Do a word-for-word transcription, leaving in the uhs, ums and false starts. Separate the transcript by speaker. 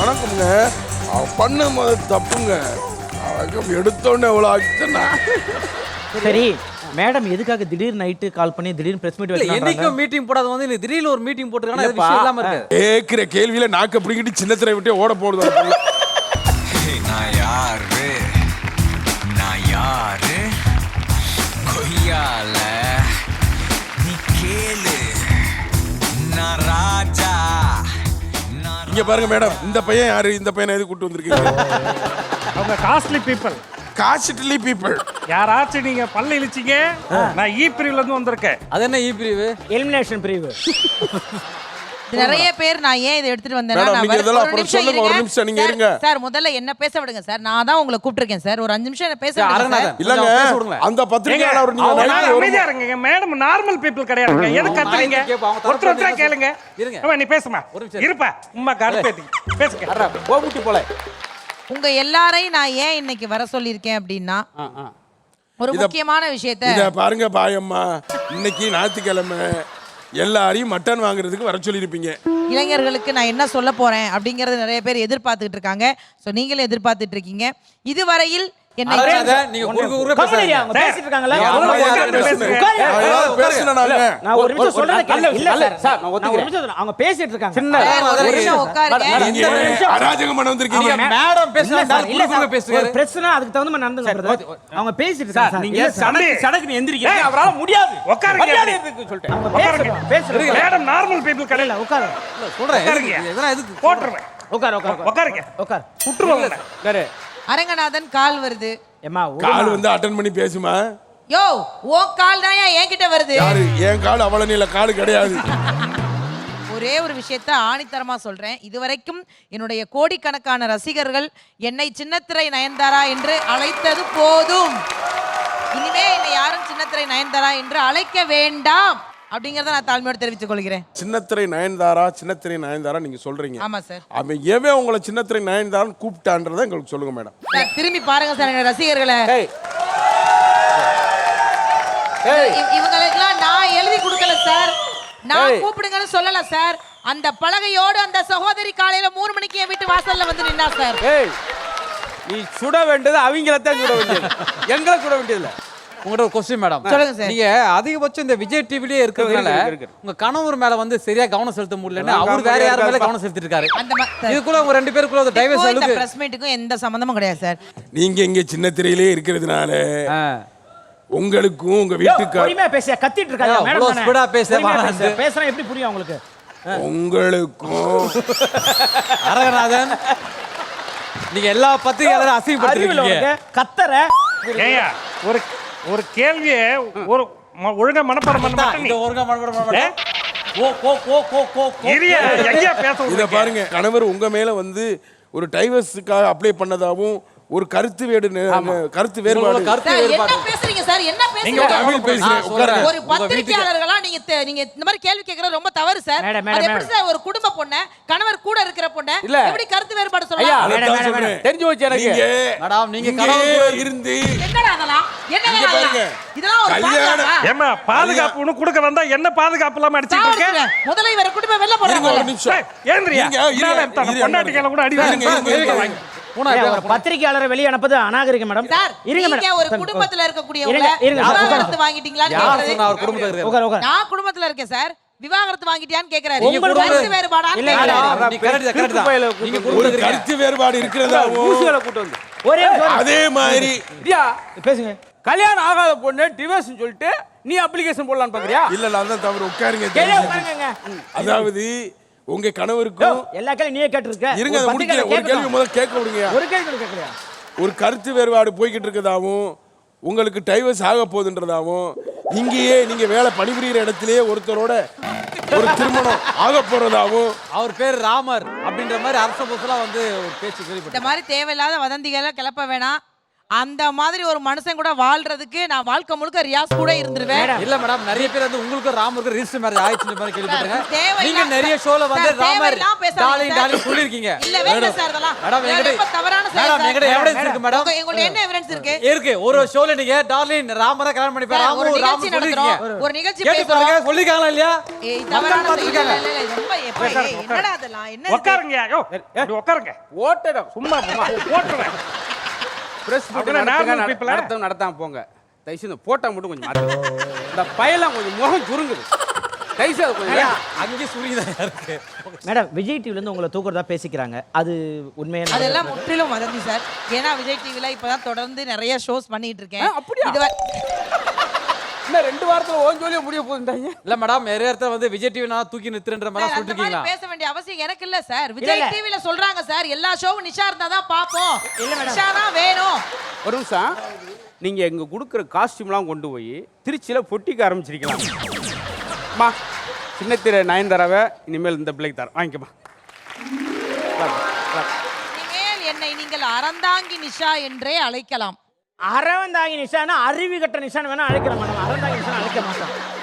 Speaker 1: வணக்கம்ங்க. அவ பண்ண முதல் தப்புங்க. அவன் எடுத்தோடனே எவ்வளோ ஆச்சுன்னா.
Speaker 2: சரி மேடம் எதுக்காக திடீர் நைட்டு கால் பண்ணி திடீர்னு பிரஸ் மீட் வைக்கிறாங்க?
Speaker 3: என்னைக்கும் மீட்டிங் போடாத வந்து இந்த திடீர்னு ஒரு மீட்டிங் போட்டுருக்காங்க. அது விஷயம் இல்லாம இருக்கு.
Speaker 1: கேக்குற கேள்வியில நாக்க பிடிக்கிட்டு சின்ன திரை விட்டு ஓட போடுது.
Speaker 4: நான் யாரு நான் யாரு கொய்யால நீ கேளு நான் ராஜா.
Speaker 1: இங்க பாருங்க மேடம், இந்த பையன் யாரு? இந்த பையனை எது கூட்டு வந்திருக்கீங்க?
Speaker 5: அவங்க காஸ்ட்லி பீப்புள்,
Speaker 1: காஸ்ட்லி பீப்புள்.
Speaker 5: யாராச்சும் நீங்க பல்ல இழிச்சிங்க. நான் இ பிரிவுல இருந்து வந்திருக்கேன்.
Speaker 3: அது என்ன இ பிரிவு?
Speaker 2: எலிமினேஷன் பிரிவு.
Speaker 6: நிறைய பேர் நான் ஏன் இதை எடுத்துட்டு வந்தேன்னா,
Speaker 1: மேடம்,
Speaker 6: நான்
Speaker 1: நீங்க
Speaker 6: வர-
Speaker 1: இதெல்லாம்
Speaker 6: ஒரு
Speaker 1: அப்புறம்
Speaker 6: நிமிஷம்
Speaker 1: சொல்லுங்க, ஒரு
Speaker 6: இருங்க.
Speaker 1: நிமிஷம் நீங்க
Speaker 6: சார்,
Speaker 1: இருங்க.
Speaker 6: சார் முதல்ல என்ன பேச விடுங்க சார். நான் தான் உங்களை கூப்பிட்டிருக்கேன் சார். ஒரு அஞ்சு நிமிஷம் என்ன பேச விடுங்க சார்.
Speaker 3: அரங்கநாதன்,
Speaker 1: இல்லங்க,
Speaker 3: கொஞ்சம் பேச விடுங்களேன்.
Speaker 1: அந்த பத்திரிகையாளர் நீங்க
Speaker 5: அவங்க
Speaker 1: நைட்டு ஒரு-
Speaker 5: அமைதியா இருங்க. மேடம் நார்மல் பீப்புள் கிடையாதுங்க. எது கத்துறீங்க?
Speaker 3: அவங்க தரப்பு
Speaker 5: ஒருத்தர் ஒருத்தரா
Speaker 3: வந்து
Speaker 5: கேளுங்க.
Speaker 3: இருங்க.
Speaker 5: ஆமா, நீ பேசுமா.
Speaker 3: ஒரு நிமிஷம்.
Speaker 5: இருப்பா உம்மா கருப்பேத்தி பேசுங்க.
Speaker 3: கோமுட்டி போல.
Speaker 6: உங்க எல்லாரையும் நான் ஏன் இன்னைக்கு வர சொல்லியிருக்கேன் அப்படின்னா, ஒரு
Speaker 1: இத-
Speaker 6: முக்கியமான விஷயத்த
Speaker 1: இத பாருங்க பாயம்மா, இன்னைக்கு ஞாயிற்றுக்கிழமை எல்லாரையும் மட்டன் வாங்குறதுக்கு வர சொல்லியிருப்பீங்க.
Speaker 6: இளைஞர்களுக்கு நான் என்ன சொல்ல போறேன் அப்படிங்கறது நிறைய பேர் எதிர்பார்த்துட்டு இருக்காங்க. சோ நீங்களும் எதிர்பார்த்துட்டு இருக்கீங்க. இதுவரையில் என்னை
Speaker 3: அரங்கநாதன், நீங்க குறுக்கு குறுக்க
Speaker 2: கம்பெனியா
Speaker 3: பேசாதீங்க.
Speaker 2: அவங்க பேசிட்டு இருக்காங்கல்ல?
Speaker 3: நீங்க
Speaker 5: அவங்க
Speaker 3: அமைதியா
Speaker 5: உட்கார்ந்து
Speaker 3: இருங்க.
Speaker 5: பேசுங்க.
Speaker 2: உட்காருங்க.
Speaker 1: நான் ஏதாவது பேசுனேன் நாங்க.
Speaker 2: நான் ஒரு நிமிஷம் சொல்றத கேளுங்க. இல்ல
Speaker 3: அல்ல,
Speaker 2: சார்,
Speaker 3: சார், நான்
Speaker 2: நான் ஒரு
Speaker 3: ஒத்துக்கிறேன்.
Speaker 2: நிமிஷம் சொல்றேன். அவங்க பேசிட்டு இருக்காங்க.
Speaker 3: சின்ன
Speaker 6: சார், ஒரு நிமிஷம் உட்காருங்க.
Speaker 1: நீங்க
Speaker 2: ஒரு நிமிஷம்.
Speaker 1: அராஜகம் பண்ண வந்திருக்கீங்க.
Speaker 2: அவங்க
Speaker 3: மேடம் பேசுனா
Speaker 2: இல்ல சார், இல்ல
Speaker 3: குறுக்கு
Speaker 2: சார்,
Speaker 3: குறுக்க பேசுறாரு.
Speaker 2: ஒரு பிரச்சனை அதுக்கு தகுந்த மாதிரி நடந்துங்க brother. அவங்க பேசிட்டு இருக்காங்க சார்.
Speaker 5: நீங்க
Speaker 2: இல்ல சார்,
Speaker 5: சடக்கு
Speaker 2: சடக்கு எந்திரிக்க அவரால முடியாது.
Speaker 5: உட்காருங்க.
Speaker 2: சொல்லிட்டேன். அவங்க பேசுறாங்க, பேசுறாங்க.
Speaker 5: மேடம் நார்மல் பீப்புள் கிடையாது.
Speaker 2: இல்ல உட்காரு.
Speaker 3: சொல்றேன்.
Speaker 5: உட்காருங்க.
Speaker 3: எதுக்கு- எதனா எதுக்கு?
Speaker 5: போட்டுருவேன்.
Speaker 2: உட்காரு, உட்காரு.
Speaker 5: உட்காருங்க.
Speaker 2: உட்காரு.
Speaker 5: விட்டுருவாங்க.
Speaker 2: உட்காரு.
Speaker 6: அரங்கநாதன் கால் வருது.
Speaker 2: ஏம்மா,
Speaker 1: கால்
Speaker 2: விடுமா.
Speaker 1: வந்து அட்டன் பண்ணி பேசுமா.
Speaker 6: யோ ஓ கால் தான் என்கிட்ட வருது.
Speaker 1: யாரு? என் கால் அவள நீல கால் கிடையாது.
Speaker 6: ஒரே ஒரு விஷயத்த ஆணித்தரமா சொல்றேன். இதுவரைக்கும் என்னுடைய கோடிக்கணக்கான ரசிகர்கள் என்னை சின்னத்திரை நயன்தாரா என்று அழைத்தது போதும். இனிமே என்னை யாரும் சின்னத்திரை நயன்தாரா என்று அழைக்க வேண்டாம் அப்படிங்கறத நான் தாழ்மையோடு தெரிவித்துக் கொள்கிறேன்.
Speaker 1: சின்னத்திரை நயன்தாரா, சின்னத்திரை நயன்தாரா நீங்க சொல்றீங்க.
Speaker 6: ஆமா சார்.
Speaker 1: அவன் எவன் உங்களை சின்னத்திரை நயன்தாரான்னு கூப்பிட்டான்றதை எங்களுக்கு சொல்லுங்க மேடம்.
Speaker 6: சார் திரும்பி பாருங்க சார் என்னோட ரசிகர்களை.
Speaker 3: ஏய்.
Speaker 6: இ- இவங்களுக்கெல்லாம் நான் எழுதி கொடுக்கல சார். நான்
Speaker 3: ஏய்.
Speaker 6: கூப்பிடுங்கன்னு சொல்லல சார். அந்த பலகையோடு அந்த சகோதரி காலையில மூணு மணிக்கு என் வீட்டு வாசல்ல வந்து நின்னா சார்.
Speaker 7: ஏய், நீ சுட வேண்டியது அவங்களத்தான் சுட வேண்டியது, எங்களை சுட வேண்டியதில்லை.
Speaker 3: உங்கள்ட்ட ஒரு கொஸ்டின் மேடம்.
Speaker 6: சொல்லுங்க சார்.
Speaker 3: நீங்க அதிகபட்சம் இந்த விஜய் டிவிலேயே இருக்கிறதுனால
Speaker 7: இருக்கு, இருக்கு.
Speaker 3: உங்க கணவர் மேல வந்து சரியா கவனம் செலுத்த முடியலன்னு
Speaker 7: அதான்
Speaker 3: அவர் வேற யார் மேல
Speaker 7: இருக்காரு.
Speaker 3: கவனம் செலுத்திட்டு இருக்காரு.
Speaker 6: அந்த ம- சார்,
Speaker 3: இதுக்குள்ள உங்க ரெண்டு பேருக்குள்ள ஒரு டைவர்ஸ்
Speaker 6: இப்போ இந்த
Speaker 3: அளவுக்கு
Speaker 6: பிரஸ் மீட்டுக்கும் எந்த சம்பந்தமும் கிடையாது சார்.
Speaker 1: நீங்க இங்க சின்னத்திரையிலே இருக்கிறதுனால
Speaker 3: ஆ.
Speaker 1: உங்களுக்கும் உங்க
Speaker 2: யோ,
Speaker 1: வீட்டுக்கு
Speaker 2: பொறுமையா பேசியா கத்திட்டு இருக்காங்க
Speaker 3: யோ,
Speaker 2: மேடம்
Speaker 3: இவ்வளவு
Speaker 2: தானே.
Speaker 3: speed ஆ பேச
Speaker 2: பொறுமையா
Speaker 3: வேணாம்.
Speaker 2: பேசு. பேசுனா எப்படி புரியும் உங்களுக்கு?
Speaker 1: உங்களுக்கும்
Speaker 3: அரங்கநாதன், நீங்க எல்லா பத்திரிகையாளரும்
Speaker 2: அறிவில்
Speaker 3: அசிங்கப்படுத்திருக்கீங்க.
Speaker 2: உனக்கு கத்தற.
Speaker 5: ஏய்யா, ஒரு ஒரு கேள்வியை ஒரு ம- ஒழுங்கா மனப்பாடம் பண்ண மாட்டேன் நீ.
Speaker 3: இந்த ஒருங்க மறுபடியும்
Speaker 5: ஏ?
Speaker 3: மறுபடியும். ஓ கோ கோ கோ கோ கோ.
Speaker 5: இரியா, எங்கேயா பேச
Speaker 1: இத
Speaker 5: விடுறீங்க?
Speaker 1: பாருங்க, கணவர் உங்க மேல வந்து ஒரு டைவர்ஸுக்காக அப்ளை பண்ணதாவும் ஒரு கருத்து வேடு கருத்து வேறுபாடு.
Speaker 3: உங்களோட கருத்து
Speaker 6: சார், என்ன
Speaker 3: வேறுபாடு.
Speaker 6: பேசுறீங்க சார்? என்ன
Speaker 1: நீங்க
Speaker 6: பேசுறீங்க?
Speaker 1: தமிழ் பேசுறீங்க.
Speaker 3: நான் சொல்றேன்.
Speaker 1: உட்காருங்க.
Speaker 6: ஒரு
Speaker 3: உங்க வீட்டுக்கு-
Speaker 6: பத்திரிகையாளர்களா நீங்க தெ- நீங்க இந்த மாதிரி கேள்வி கேட்கறது ரொம்ப தவறு சார்.
Speaker 2: மேடம்,
Speaker 6: அது
Speaker 2: மேடம்,
Speaker 6: எப்படி
Speaker 2: மேடம்.
Speaker 6: சார் ஒரு குடும்ப பொண்ணு கணவர் கூட இருக்கிற பொண்ணு
Speaker 7: இல்ல.
Speaker 6: எப்படி கருத்து வேறுபாடு
Speaker 7: ஐயா,
Speaker 6: சொல்லலாம்?
Speaker 1: அதைத்தான்
Speaker 2: மேடம், மேடம்,
Speaker 1: சொல்றேன்.
Speaker 7: தெரிஞ்சு வச்சு எனக்கு.
Speaker 1: நீங்க
Speaker 3: மேடம், நீங்க
Speaker 1: இங்கே
Speaker 3: கணவர்
Speaker 1: இருந்து
Speaker 6: என்னடா அதெல்லாம்? என்னடா
Speaker 1: இங்க
Speaker 6: அதெல்லாம்?
Speaker 1: பாருங்க.
Speaker 6: இதெல்லாம் ஒரு
Speaker 1: கல்யாணம்.
Speaker 6: பாதுகாப்பா?
Speaker 5: ஏம்மா, பாதுகாப்பு ஒண்ணு கொடுக்க வந்தா என்ன பாதுகாப்பு இல்லாம அடிச்சிட்டு இருக்க?
Speaker 6: சாவடிக்கிறேன். முதல்ல இவரை குடும்பம் வெளில
Speaker 1: இருங்க ஒரு
Speaker 6: போறாங்க.
Speaker 1: நிமிஷம்.
Speaker 5: ஏய், ஏந்திரியா?
Speaker 1: இருங்க, இருங்க,
Speaker 5: இந்தால தன்
Speaker 1: இருங்க,
Speaker 5: பொண்டாட்டி கையில கூட அடி
Speaker 1: இருங்க,
Speaker 5: வாங்க.
Speaker 1: இருங்க, இருங்க,
Speaker 5: இருங்க,
Speaker 1: இருங்க.
Speaker 3: பூனா,
Speaker 2: ஏய்,
Speaker 3: இருங்க,
Speaker 2: ஒரு பத்திரிகையாளரை வெளிய அனுப்புது அநாகரிகம் மேடம்.
Speaker 6: சார்,
Speaker 2: இருங்க
Speaker 6: நீங்க
Speaker 2: மேடம்.
Speaker 6: ஒரு
Speaker 2: சார்,
Speaker 6: குடும்பத்துல இருக்கக்கூடியவங்க
Speaker 2: இருங்க, இருங்க சார்,
Speaker 6: விவாகரத்து
Speaker 2: உட்காருங்க.
Speaker 6: வாங்கிட்டீங்களான்னு
Speaker 3: யார்
Speaker 6: கேக்குறது.
Speaker 3: சொன்னா அவர் குடும்பத்துல இருக்காரு?
Speaker 2: உட்காரு, உட்காரு.
Speaker 6: நான் குடும்பத்துல இருக்கேன் சார். விவாகரத்து வாங்கிட்டியான்னு கேக்குறாரு.
Speaker 3: நீங்க
Speaker 6: உங்களுக்கு
Speaker 3: குடும்பம்
Speaker 6: கருத்து வேறுபாடான்னு
Speaker 2: இல்ல,
Speaker 6: கேக்குறாரு.
Speaker 2: இல்ல.
Speaker 3: நீ correct தான், correct தான்.
Speaker 7: பையில
Speaker 3: நீங்க
Speaker 7: கூட்டு
Speaker 1: ஒரு
Speaker 3: குடும்பத்துல இருக்கீங்க.
Speaker 1: கருத்து வேறுபாடு இருக்கிறதாவும்
Speaker 7: ஊசிகளை கூட்டு வந்து
Speaker 2: ஒரே நிமிஷம்.
Speaker 1: அதே மாதிரி
Speaker 7: இடியா,
Speaker 2: பேசுங்க.
Speaker 7: கல்யாணம் ஆகாத பொண்ணு டிவோர்ஸ் சொல்லிட்டு நீ அப்ளிகேஷன் போடலான்னு பாக்குறியா?
Speaker 1: இல்ல நான் தான் தவறு. உட்காருங்க.
Speaker 2: கேளு,
Speaker 1: தெரிஞ்சு.
Speaker 2: உட்காருங்க.
Speaker 1: அதாவது உங்க
Speaker 2: யோ,
Speaker 1: கணவருக்கும்
Speaker 2: எல்லா கேள்வி நீயே கேட்டிருக்க.
Speaker 1: இருங்க,
Speaker 2: ஒரு
Speaker 1: அதை முடிக்கல.
Speaker 2: பத்திரிகையாளர்
Speaker 1: ஒரு கேள்வி
Speaker 2: கேட்கணும்.
Speaker 1: முதல்ல கேட்க விடுங்க.
Speaker 2: ஒரு கேள்வி கூட கேட்கலையா?
Speaker 1: ஒரு கருத்து வேறுபாடு போய்கிட்டு இருக்கதாவும் உங்களுக்கு டைவர்ஸ் ஆக போகுதுன்றதாவும் இங்கேயே நீங்க வேலை பணிபுரிகிற இடத்திலேயே ஒருத்தரோட ஒரு திருமணம் ஆக போறதாவும்
Speaker 3: அவர் பேர் ராமர் அப்படின்ற மாதிரி அரச புசலா வந்து ஒரு பேச்சு
Speaker 6: இந்த
Speaker 3: கேள்விப்பட்டேன்.
Speaker 6: மாதிரி தேவையில்லாத வதந்திகளை கிளப்ப வேணாம். அந்த மாதிரி ஒரு மனுஷன் கூட வாழ்றதுக்கு நான் வாழ்க்கை முழுக்க ரியாஸ் கூட இருந்துருவேன்.
Speaker 3: இல்ல மேடம், நிறைய பேர் வந்து உங்களுக்கு ராமருக்கு ரிஜிஸ்டர் மேரேஜ் ஆயிடுச்சுன்னு மாதிரி கேள்விப்பட்டிருக்கேன்.
Speaker 6: தேவையில்லா-
Speaker 3: நீங்க நிறைய ஷோல வந்து
Speaker 6: சார்,
Speaker 3: ராமர்
Speaker 6: தேவையில்லாம பேசாதீங்க
Speaker 3: டார்லிங்
Speaker 6: சார்.
Speaker 3: டார்லிங் சொல்லிருக்கீங்க.
Speaker 6: இல்லவே இல்ல சார் அதெல்லாம்.
Speaker 3: மேடம், என்கிட்ட-
Speaker 6: ரொம்ப தவறான செயல்
Speaker 3: மேடம்,
Speaker 6: சார்.
Speaker 3: என்கிட்ட evidence இருக்கு மேடம்.
Speaker 6: உங்க- உங்கள்ட்ட என்ன எவிடன்ஸ் இருக்கு?
Speaker 3: இருக்கு. ஒரு ஷோல நீங்க டார்லிங் ராமரை கல்யாணம் பண்ணி
Speaker 6: சார்,
Speaker 3: ராமு
Speaker 6: ஒரு
Speaker 3: ராமு
Speaker 6: நிகழ்ச்சி
Speaker 3: சொல்லிருக்கீங்க.
Speaker 6: நடத்துறோம். ஒரு நிகழ்ச்சி
Speaker 3: கேட்டு
Speaker 6: பேசுறோம்.
Speaker 3: பாருங்க, சொல்லிருக்காங்களா இல்லையா?
Speaker 6: ஏய்,
Speaker 3: மக்கள்
Speaker 6: தவறான செயல்.
Speaker 3: பார்த்திருக்காங்க.
Speaker 6: இல்ல, இல்ல, இல்ல, ரொம்ப எப்பா, ஏய், என்னடா அதெல்லாம்? என்ன இது?
Speaker 5: உட்காருங்க யோ இப்படி உட்காருங்க
Speaker 7: ஓட்டடம்
Speaker 5: சும்மா போமா போட்டுறேன்
Speaker 7: பிரஸ்
Speaker 5: அப்படின்னா normal people ஆ?
Speaker 7: நடத்த நடத்தாம போங்க. தயவுசெய்து இந்த போட்டா மட்டும் கொஞ்சம் மாத்து. இந்த பயலாம் கொஞ்சம் முகம் சுருங்குது. தயவுசெய்து கொஞ்சம்
Speaker 3: அங்கே சுரிதான் இருக்கு.
Speaker 2: மேடம் விஜய் டிவில இருந்து உங்களை தூக்குறதா பேசிக்கிறாங்க, அது உண்மையான
Speaker 6: அதெல்லாம் முற்றிலும் வதந்தி சார். ஏன்னா விஜய் டிவில இப்பதான் தொடர்ந்து நிறைய ஷோஸ் பண்ணிட்டு இருக்கேன்.
Speaker 7: ஆ, அப்படியா?
Speaker 6: இதுவரை-
Speaker 7: இன்னும் ரெண்டு வாரத்துல ஓன் ஜோலியா முடிய போகுதுட்டாங்க.
Speaker 3: இல்ல மேடம், நிறைய இடத்துல வந்து விஜய் டிவி நான் தூக்கி நிறுத்துறன்ற மாதிரி
Speaker 6: சார், அந்த மாதிரி
Speaker 3: சொல்லிருக்கீங்களா?
Speaker 6: பேச வேண்டிய அவசியம் எனக்கு இல்ல சார். விஜய் டிவில சொல்றாங்க சார், எல்லா ஷோவும் நிஷா இருந்தா தான் பாப்போம். நிஷா தான் வேணும்.
Speaker 7: ஒரு நிமிஷம், நீங்க எங்க கொடுக்குற காஸ்டியூம்லாம் கொண்டு போய் திருச்சியில பொட்டிக்க ஆரம்பிச்சிருக்கலாம். அம்மா, சின்னத்திரை நயன்தாராவை இனிமேல் இந்த பிள்ளைக்கு தரேன், வாங்கிக்கமா.
Speaker 6: இனிமேல் என்னை நீங்கள் அறந்தாங்கி நிஷா என்றே அழைக்கலாம்.
Speaker 2: அறவந்தாங்கி நிஷானா அருவி கட்ட நிஷான் வேணா அழைக்கலாம் மேடம், அறந்தாங்கி நிஷான் அழைக்க மாட்டோம்.